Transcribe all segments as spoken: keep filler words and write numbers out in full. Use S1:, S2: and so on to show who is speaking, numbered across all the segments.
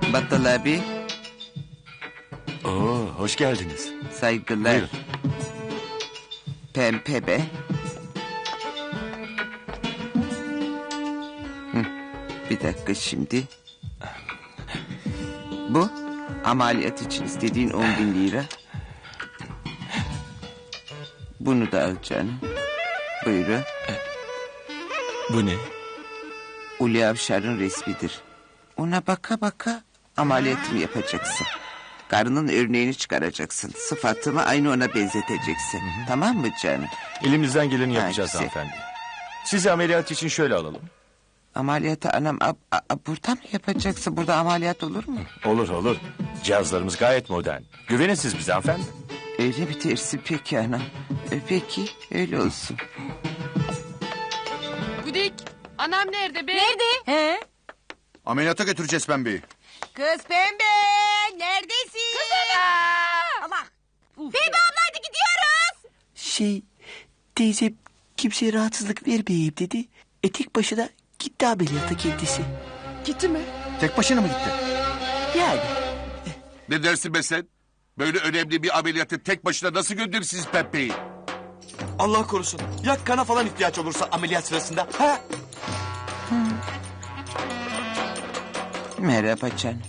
S1: Battal abi.
S2: Oo, hoş geldiniz.
S1: Saygılar.
S2: Buyurun.
S1: Pempe be. Hı, bir dakika şimdi. Bu ameliyat için istediğin on bin lira. Bunu da al canım. Buyurun.
S2: Bu ne?
S1: Uli Avşar'ın resmidir. Ona baka baka ameliyatımı yapacaksın. Karının örneğini çıkaracaksın. Sıfatımı aynı ona benzeteceksin. Hı hı. Tamam mı canım?
S2: Elimizden geleni yapacağız
S1: Ha,
S2: hanımefendi. Sizi ameliyat için şöyle alalım.
S1: Ameliyatı anam ab, ab, burada mı yapacaksın? Burada ameliyat olur mu?
S2: Olur olur. Cihazlarımız gayet modern. Güvenin siz bize hanımefendi.
S1: Öyle bir tersi peki anam. E, peki öyle olsun.
S3: Güdik, anam nerede be?
S4: Nerede? He?
S5: Ameliyata götüreceğiz Pembe'yi.
S4: Kız Pembe, neredesin?
S3: Kız ana!
S4: Allah. Pembe abla hadi gidiyoruz.
S6: Şey, teyze kimseye rahatsızlık vermeyeyim dedi. E tek başına gitti ameliyata kendisi.
S3: Gitti mi?
S5: Tek başına mı gitti?
S6: Yani.
S7: Ne dersin be sen? Böyle önemli bir ameliyatı tek başına nasıl gönderirsiniz Pembe'yi?
S8: Allah korusun. Ya kana falan ihtiyaç olursa ameliyat sırasında? Ha?
S1: Merhaba canım.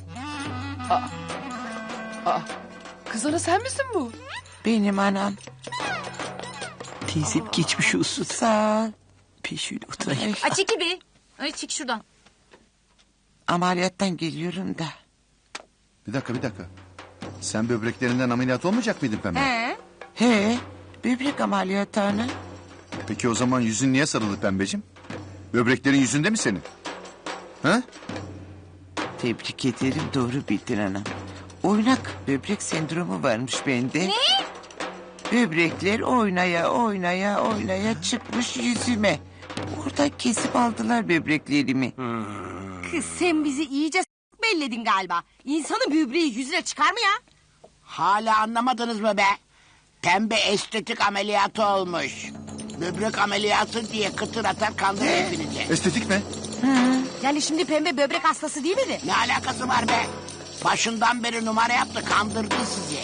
S3: Aa, kız ana sen misin bu?
S1: Benim anam.
S6: Teyzem geçmiş olsun.
S1: Sağ ol.
S6: Peşine oturayım.
S4: Ay çekil bir. Ay çık şuradan.
S1: Ameliyattan geliyorum da.
S5: Bir dakika bir dakika. Sen böbreklerinden ameliyat olmayacak mıydın Pembe?
S4: He?
S1: He, böbrek ameliyatı ana.
S5: Peki o zaman yüzün niye sarılı Pembeciğim? Böbreklerin yüzünde mi senin? Ha?
S1: Tebrik ederim, doğru bildin anam. Oynak böbrek sendromu varmış bende. Ne? Böbrekler oynaya oynaya oynaya çıkmış yüzüme. Orada kesip aldılar böbreklerimi.
S4: Kız sen bizi iyice s- belledin galiba. İnsanın böbreği yüzüne çıkar mı ya?
S9: Hala anlamadınız mı be? Pembe estetik ameliyatı olmuş. Böbrek ameliyatı diye kıtır atar kandırır hepinizi.
S5: Estetik mi?
S4: Yani şimdi Pembe böbrek hastası değil miydi?
S9: Ne alakası var be? Başından beri numara yaptı kandırdı sizi.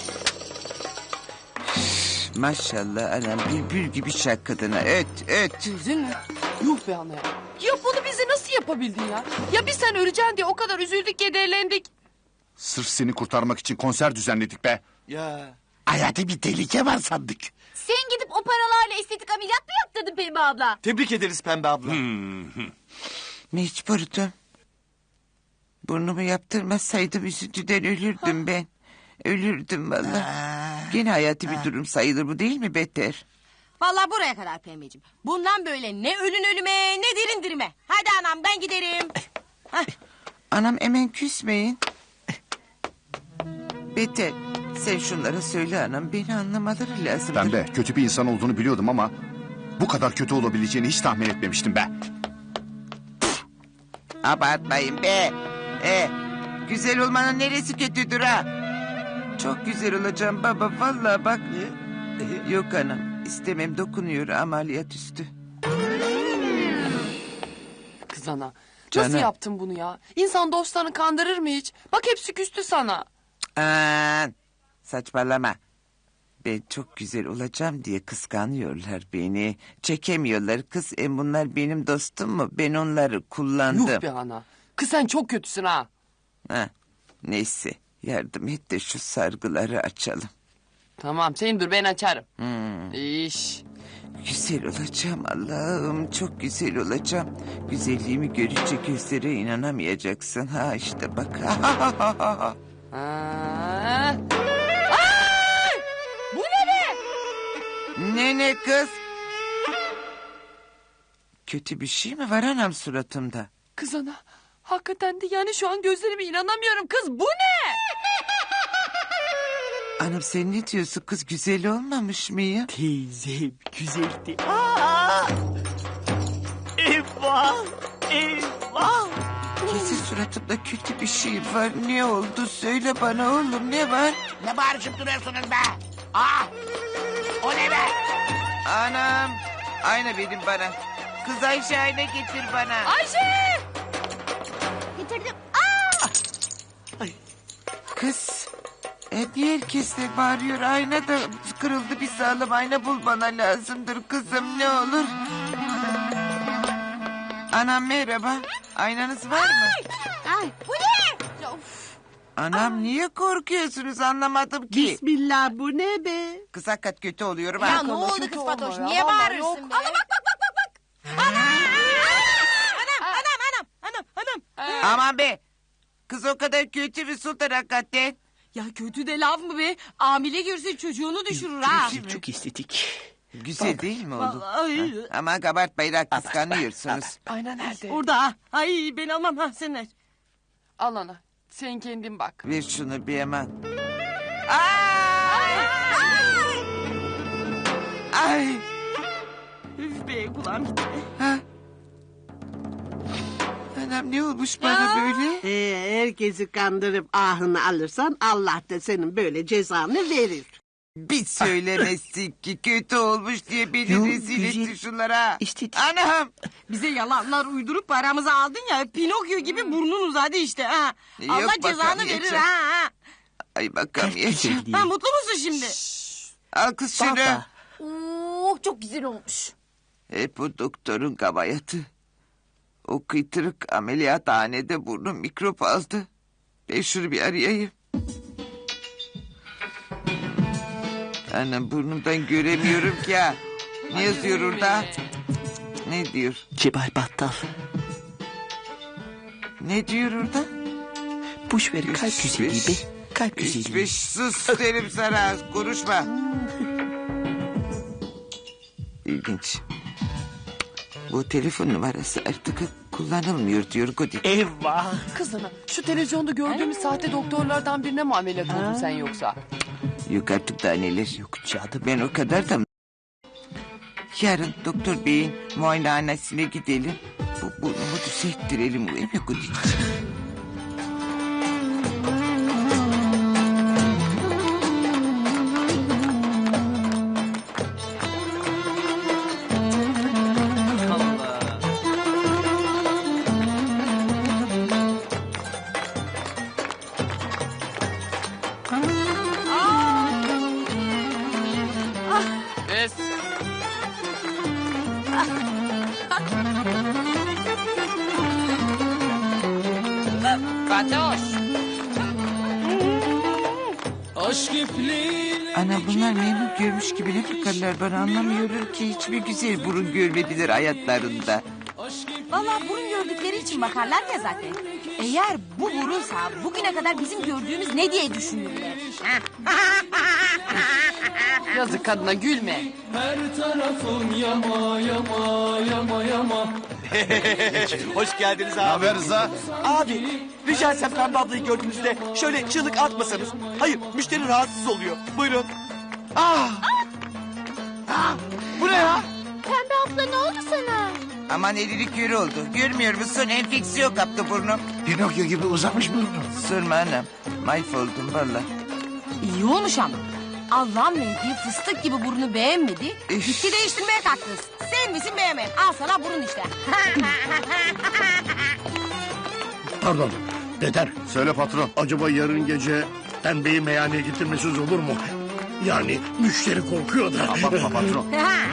S1: Maşallah anam, bülbül gibi şarkıdına öt öt.
S3: Üzün mü? Yuh be ana ya. Ya bunu bize nasıl yapabildin ya? Ya biz sen öleceksin diye o kadar üzüldük kederlendik.
S5: Sırf seni kurtarmak için konser düzenledik be.
S8: Ya.
S9: Hayata bir tehlike var sandık.
S4: Sen gidip o paralarla estetik ameliyat mı yaptırdın Pembe abla?
S8: Tebrik ederiz Pembe abla.
S1: Mecburdum. Burnumu yaptırmasaydım üzüntüden ölürdüm ben. Ölürdüm vallahi. Gene hayati bir durum sayılır bu değil mi beter?
S4: Vallahi buraya kadar Pembeciğim. Bundan böyle ne ölün ölüme ne derin dirime. Hadi anam ben giderim.
S1: Anam hemen küsmeyin. Beter, sen şunlara söyle anam, beni anlamaları lazım.
S5: Pembe kötü bir insan olduğunu biliyordum ama... ...bu kadar kötü olabileceğini hiç tahmin etmemiştim be.
S1: Abartmayın be. E, güzel olmanın neresi kötüdür ha? Çok güzel olacağım baba vallahi bak. Yok anam, istemem, dokunuyor ameliyat üstü.
S3: Kız ana.
S1: Canım.
S3: Nasıl yaptın bunu ya? İnsan dostlarını kandırır mı hiç? Bak hepsi küstü sana.
S1: Aman, saçmalama. Ben çok güzel olacağım diye kıskanıyorlar beni. Çekemiyorlar kız. E bunlar benim dostum mu? Ben onları kullandım.
S3: Yuh be ana. Kız sen çok kötüsün ha.
S1: Ha, neyse, yardım et de şu sargıları açalım.
S3: Tamam sen dur ben açarım. İş.
S1: Güzel olacağım Allah'ım, çok güzel olacağım. Güzelliğimi görünce gözlere inanamayacaksın. Ha işte bak.
S3: Aa. Ay! Bu ne be?
S1: Ne ne kız? Kötü bir şey mi var anam suratımda?
S3: Kız ana. Hakikaten de yani şu an gözlerime inanamıyorum kız. Bu ne?
S1: Anam sen ne diyorsun kız, güzel olmamış mıyım?
S6: Teyzem güzeldi. Aa! Eyvah! Eyvah!
S1: Kesin suratımda kötü bir şey var. Ne oldu söyle bana oğlum, ne var?
S9: Ne bağırışıp duruyorsunuz be? Ah! O ne be?
S1: Anam, ayna verin bana. Kız Ayşe ayna getir bana.
S3: Ayşe!
S4: Getirdim.
S6: Ay,
S1: Kız. E, niye herkes de bağırıyor? Ayna da kırıldı. Bir sağlam ayna bul bana lazımdır kızım ne olur. Anam merhaba. Aynanız var mı?
S4: Ay, bu ne?
S1: Anam niye korkuyorsunuz anlamadım ki.
S9: Bismillah bu ne be?
S1: Kız hakikat kötü oluyorum
S4: Ya
S1: ha.
S4: ne oldu
S3: kötü
S4: kız
S3: olma
S4: Fatoş?
S3: ya,
S4: Niye
S3: vallahi
S4: bağırırsın
S3: yok.
S4: be? Ana bak bak bak bak bak. Ana! Anam anam anam anam anam.
S1: Aman be. Kız o kadar kötü mü Sultan hakikaten?
S4: Ya kötü de laf mı be? Amile görse çocuğunu düşürür ha.
S6: Çok, çok estetik.
S1: Güzel değil mi oldu?
S4: Vallahi.
S1: Ama kabartmayın ha kıskanıyorsunuz.
S3: Ayna nerede?
S4: Orada ha. Ay ben almam ha sen ver.
S3: Al ana. Sen kendin bak.
S1: Ver şunu bir hemen. Ay! Ay!
S4: Üf be kulağım gitti.
S1: Ha? Anam ne olmuş bana böyle?
S9: Ee, herkesi kandırıp ahını alırsan Allah da senin böyle cezanı verir.
S1: Bir söylemezsin ki kötü olmuş diye beni
S6: Yok,
S1: rezil
S6: güzel.
S1: etti şunlara.
S6: İstedik.
S1: Anam!
S4: Bize yalanlar uydurup paramızı aldın ya. Pinokyo gibi burnun uzadı işte ha.
S1: Yok,
S4: Allah cezanı verir
S1: bakamayacağım.
S4: ha. ha.
S1: Ay
S6: Kalp
S1: bakamayacağım.
S6: güzelliği.
S4: Ha mutlu musun şimdi?
S1: Al kız şunu.
S6: Baba.
S4: Oo çok güzel olmuş.
S1: Hep o doktorun kabayatı. O kıytırık ameliyathanede burnum mikrop aldı. Ben şunu bir arayayım. Anam burnumdan göremiyorum ki ha. Ne yazıyor orada? Ne diyor?
S6: Cebal Battal.
S1: Ne diyor orada?
S6: Boş ver kalp
S1: Üç,
S6: güzelliği
S1: beş,
S6: be. Kalp
S1: Üç
S6: güzelliği.
S1: beş sus derim sana konuşma. İlginç. Bu telefon numarası artık kullanılmıyor diyor Godik.
S6: Eyvah.
S3: Kız ana. Şu televizyonda gördüğümüz sahte doktorlardan birine mi ameliyat oldun sen yoksa?
S1: Yok artık daha neler.
S6: Yok canım.
S1: Ben o kadar da... Yarın doktor beyin muayenehanesine gidelim. Bu burnumu düzelttirelim. Uyum yok Godik.
S3: Es. Fatoş.
S1: Ana bunlar memnun görmüş gibi ne bakarlar bana anlamıyorum ki. Hiçbir güzel burun görmediler hayatlarında.
S4: Vallahi burun gördükleri için bakarlar ya zaten. Eğer bu burunsa bugüne kadar bizim gördüğümüz ne diye düşünürler. Ha?
S3: Yazık kadına gülme.
S8: Hoş geldiniz abi.
S5: Haber Rıza?
S8: Abi rica etsem Pembe ablayı gördüğünüzde şöyle çığlık atmasanız. Hayır müşteri rahatsız oluyor. Buyurun. Ah! Ah! Bu ne ya?
S4: Pembe abla ne oldu sana?
S1: Aman elilik yürü oldu. Görmüyor musun? Enfeksiyon kaptı burnum.
S5: Pinokyo gibi uzamış burnu.
S1: Sorma anam. Mahvoldum valla.
S4: İyi olmuş ama. Allah'ın verdiği fıstık gibi burnu beğenmedi.
S1: Üf.
S4: Gitti değiştirmeye kalktınız. Sen misin beğenmeyen? Al sana burun işte.
S10: Pardon, Deder.
S5: Söyle patron.
S10: Acaba yarın gece Pembe'yi meyhaneye getirmesiz olur mu? Yani müşteri korkuyor da.
S5: Abartma patron.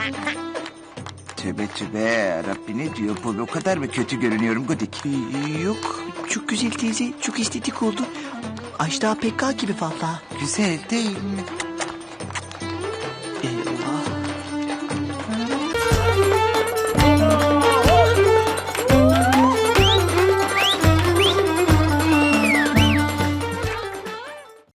S1: Tövbe tövbe. Rabbi ne diyor bu? O kadar mı kötü görünüyorum Godik?
S6: Ee, Yok. Çok güzel teyze. Çok estetik oldu. Ajda Pekka gibi valla.
S1: Güzel değil mi?